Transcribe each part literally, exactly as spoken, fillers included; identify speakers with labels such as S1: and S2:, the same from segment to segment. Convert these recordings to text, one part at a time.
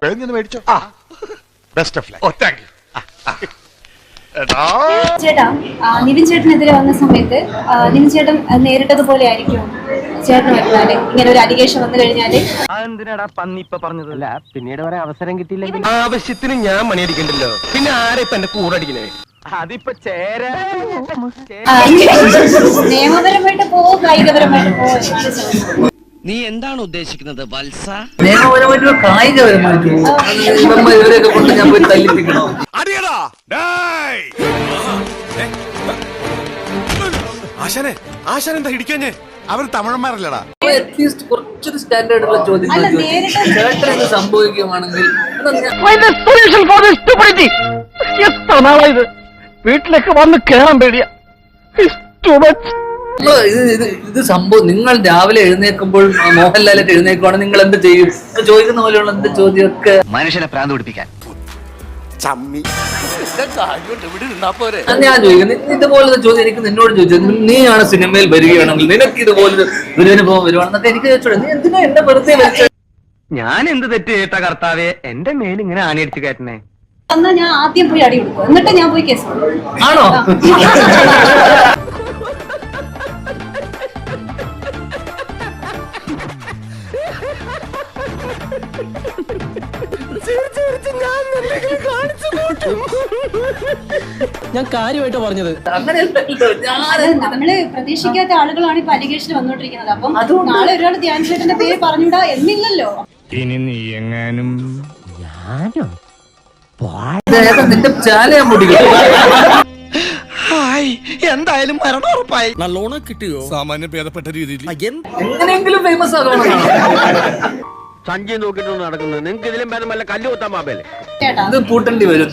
S1: മേടിച്ചോ. Best of luck. Oh thank you.
S2: ചേട്ടാ, നിവിൻ ചേട്ടനെതിരെ വന്ന സമയത്ത് നിവിൻ ചേട്ടൻ നേരിട്ടതുപോലെ ആയിരിക്കും ചേട്ടൻ വരുന്നാല് ഇങ്ങനെ ഒരു അലിഗേഷൻ വന്നു കഴിഞ്ഞാല്?
S3: അതെന്തിനാടാ പന്നി ഇപ്പൊ പറഞ്ഞതല്ല, പിന്നീട് വരെ അവസരം കിട്ടിയില്ലെങ്കിൽ ആവശ്യത്തിന് ഞാൻ മണിയടിക്കണ്ടല്ലോ, പിന്നെ ആരെ ഇപ്പൊ എന്റെ കൂടെ അടിക്കണേ? അതിപ്പോ ചേര
S2: നിയമപരമായിട്ട് പോവോ കായികപരമായിട്ട് പോവോ എന്നാണ് ചോദിച്ചത്.
S4: നീ എന്താണ് ഉദ്ദേശിക്കുന്നത് വത്സ?
S5: നിയമപരമായിട്ടോ കായികപരമായിട്ടോ ഇവരെയൊക്കെ കൊണ്ട് ഞാൻ പോയി തല്ലിപ്പിക്കണോ?
S1: ആശാനെ ആശാൻ എന്താ ഇടിക്കാഞ്ഞേ? അവർ തമിഴന്മാരല്ലടാ.
S5: അറ്റ്ലീസ്റ്റ് കുറച്ചൊരു സ്റ്റാൻഡേർഡുള്ള ചോദ്യം
S2: അല്ല, നേരിട്ട്
S5: ചേട്ടന് സംഭവിക്കുകയാണെങ്കിൽ
S3: എത്ര നാളായത് വീട്ടിലേക്ക് വന്ന് കേറാൻ പേടിയാ.
S5: ഇത് ഇത് സംഭവം നിങ്ങൾ രാവിലെ എഴുന്നേൽക്കുമ്പോൾ മോഹൻലാലൊക്കെ എഴുന്നേൽക്കുവാണെങ്കിൽ നിങ്ങൾ എന്ത് ചെയ്യും? ചോദിക്കുന്ന പോലെയുള്ള എന്ത് ചോദ്യമൊക്കെ
S4: മനുഷ്യനെ പ്രാന്ത് പിടിപ്പിക്കാൻ.
S5: ഞാൻ ചോദിക്കുന്നത് ഇതുപോലത്തെ ചോദ്യം എനിക്ക് നിന്നോട് ചോദിച്ചത്, നീയാണ് സിനിമയിൽ വരികയാണെങ്കിൽ നിനക്ക് ഇതുപോലൊരു ദുരനുഭവം വരുവാണെന്നൊക്കെ എനിക്ക് ചോദിച്ചോളൂ. നീ എന്തിനാ എന്നെ വെറുതെ വെച്ചത്?
S3: ഞാൻ എന്ത് തെറ്റ് കേട്ട കർത്താവെ, എന്റെ മേലിങ്ങനെ ആണിയടിച്ചു കയറ്റണേ.
S2: എന്നാ ഞാൻ ആദ്യം പോയി അടി കൊടുക്കും, എന്നിട്ട് ഞാൻ പോയി കേസ് കൊടുക്കും.
S5: ആണോ?
S3: ഞാൻ കാര്യമായിട്ട് പറഞ്ഞത്
S5: അങ്ങനെയല്ലല്ലോ.
S2: അത് നമ്മള് പ്രതീക്ഷിക്കാത്ത ആളുകളാണ് ഇപ്പൊ അലിഗേഷൻ വന്നോണ്ടിരിക്കുന്നത്. അപ്പം നാളെ ഒരാൾ ധ്യാൻ ചേട്ടന്റെ പേര് പറഞ്ഞൂടാ എന്നില്ലല്ലോ.
S6: ഇനി നീ എങ്ങാനും
S5: നിന്റെ ചാല ഞാൻ പൊടിക്കും.
S4: എന്തായാലും മരണം ഉറപ്പായി.
S6: നല്ലോണം കിട്ടിയോ? സാമാന്യം ഭേദപ്പെട്ട രീതിയിൽ
S5: എങ്ങനെയെങ്കിലും ഫേമസ് ആകണം.
S3: സഞ്ജയ് നോക്കിട്ടൊന്നും നടക്കുന്നത്. നിങ്ങക്ക് ഇതിലും ഭേദം വല്ല കല്ല് കൊത്താൻ മാപ്പല്ലേ?
S2: ചേട്ടാ,
S5: ഇത് പൂട്ടേണ്ടി വരും.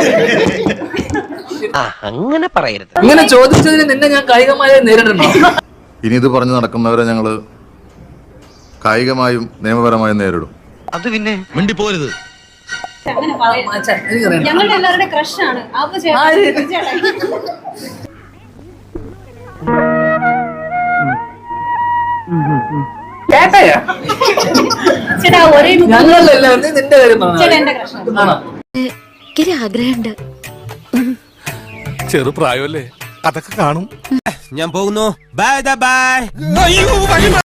S4: അങ്ങനെ പറയരുത്.
S5: ഇങ്ങനെ ചോദിച്ചതിന് നിന്നെ ഞാൻ കായികമായി നേരിടണോ?
S7: ഇനി ഇത് പറഞ്ഞു നടക്കുന്നവരെ ഞങ്ങള് കായികമായും നിയമപരമായും നേരിടും.
S4: അത് പിന്നെ മിണ്ടി പോരുത്.
S2: അങ്ങനെ പറയരുത്.
S5: എനിക്കറിയാം.
S2: ഞങ്ങളുടെ എല്ലാവരുടെ ക്രഷാണ്. അപ്പൊ
S5: ആര്?
S2: ചേട്ടൻ ചേട്ടാ
S5: ചേട്ടയാ?
S2: ചേട്ടാ ഒരേ
S5: ഞങ്ങളെല്ലാവരും നിന്റെ കാര്യം പറഞ്ഞു.
S2: ചേട്ടാ എന്റെ ക്രഷാണ്.
S5: ആണോ?
S8: എനിക്കൊരു ആഗ്രഹമുണ്ട്.
S1: ചെറുപ്രായമല്ലേ, അതൊക്കെ കാണും.
S6: ഞാൻ പോകുന്നു. Bye by.